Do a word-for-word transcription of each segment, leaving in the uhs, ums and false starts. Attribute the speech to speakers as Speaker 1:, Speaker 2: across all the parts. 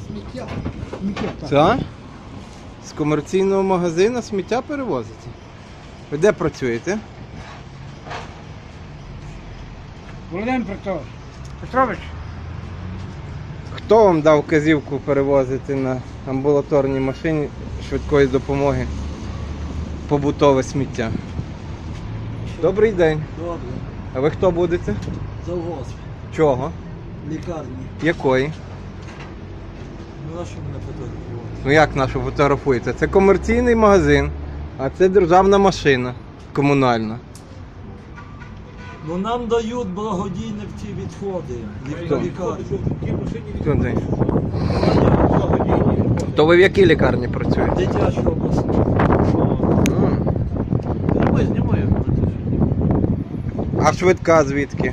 Speaker 1: Сміття. Сміття, так.
Speaker 2: Це? З комерційного магазину сміття перевозите? Ви де працюєте?
Speaker 1: Володимир Петрович. Петрович.
Speaker 2: Хто вам дав вказівку перевозити на амбулаторній машині швидкої допомоги побутове сміття? Добрий день.
Speaker 3: Добре.
Speaker 2: А ви хто будете?
Speaker 3: Завоз.
Speaker 2: Чого?
Speaker 3: Лікарні.
Speaker 2: Якої?
Speaker 3: Ну, на що мене фотографувати?
Speaker 2: Ну як нашу фотографуєте? Це комерційний магазин, а це державна машина комунальна.
Speaker 3: Ну нам дають благодійні ці відходи.
Speaker 2: Хто?
Speaker 3: Лікарні.
Speaker 2: Хто це? То ви в якій лікарні працюєте?
Speaker 3: Дитяча обласна.
Speaker 2: М.
Speaker 3: Ми знімаємо.
Speaker 2: А швидка звідки?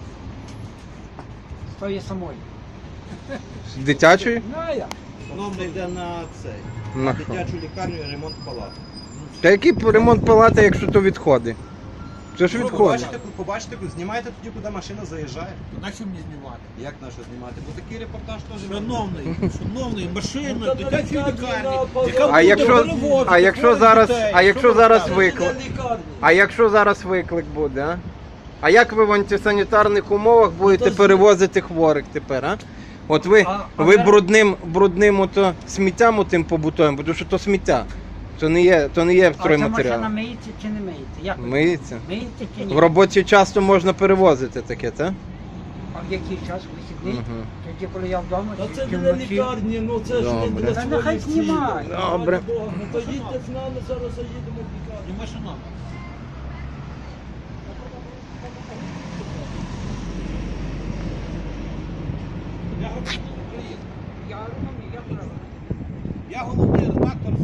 Speaker 1: З тої самої.
Speaker 2: З дитячої?
Speaker 1: Ну, а я.
Speaker 4: Воно йде на цей.
Speaker 2: На
Speaker 4: На
Speaker 2: що?
Speaker 4: дитячу лікарню і ремонт палат.
Speaker 2: Та який ремонт палати, якщо то відходи? Це ж
Speaker 4: Ну,
Speaker 2: відходи.
Speaker 4: побачите, побачите, знімайте тоді, куди машина заїжджає.
Speaker 5: На що мені знімати?
Speaker 4: Як на що знімати? Бо такий репортаж теж.
Speaker 5: Шановний, шановний, машина,
Speaker 3: Ну,
Speaker 5: дитячої
Speaker 3: та
Speaker 5: лікарні,
Speaker 3: на
Speaker 5: яка
Speaker 2: А
Speaker 5: буде
Speaker 2: якщо,
Speaker 5: перевозити
Speaker 2: а якщо
Speaker 5: хворих
Speaker 2: зараз,
Speaker 5: дітей.
Speaker 2: а
Speaker 5: Що
Speaker 2: якщо
Speaker 5: ви
Speaker 2: зараз
Speaker 5: робите?
Speaker 2: виклик?
Speaker 3: Лікарні.
Speaker 2: А якщо зараз виклик буде, а? А як ви в антисанітарних умовах будете
Speaker 3: то ж-
Speaker 2: перевозити хворих тепер, а? От ви,
Speaker 1: А- а
Speaker 2: ви
Speaker 1: де-
Speaker 2: брудним, брудним ото сміттям отим побутовим, тому що то сміття. То не є, то не є
Speaker 1: А ця машина
Speaker 2: стройматеріал.
Speaker 1: миється чи не миється? Як? ви?
Speaker 2: Миється.
Speaker 1: Миється чи ні?
Speaker 2: В робочий час то можна перевозити таке, так?
Speaker 1: А в який час? Вихідний?
Speaker 2: Мгм.
Speaker 1: Тоді, коли я вдома?
Speaker 3: Та
Speaker 1: чи-
Speaker 3: це
Speaker 1: чи
Speaker 3: для
Speaker 1: вночі?
Speaker 3: лікарні, ну це ж не
Speaker 2: Добре.
Speaker 3: для
Speaker 1: Та
Speaker 3: своїх
Speaker 1: нехай
Speaker 3: цілей.
Speaker 1: знімає.
Speaker 2: Добре.
Speaker 3: Ну то їдьте з нами, зараз заїдемо в лікарню.
Speaker 5: І машина.
Speaker 1: Я розумію, я правильно.
Speaker 4: Я головний редактор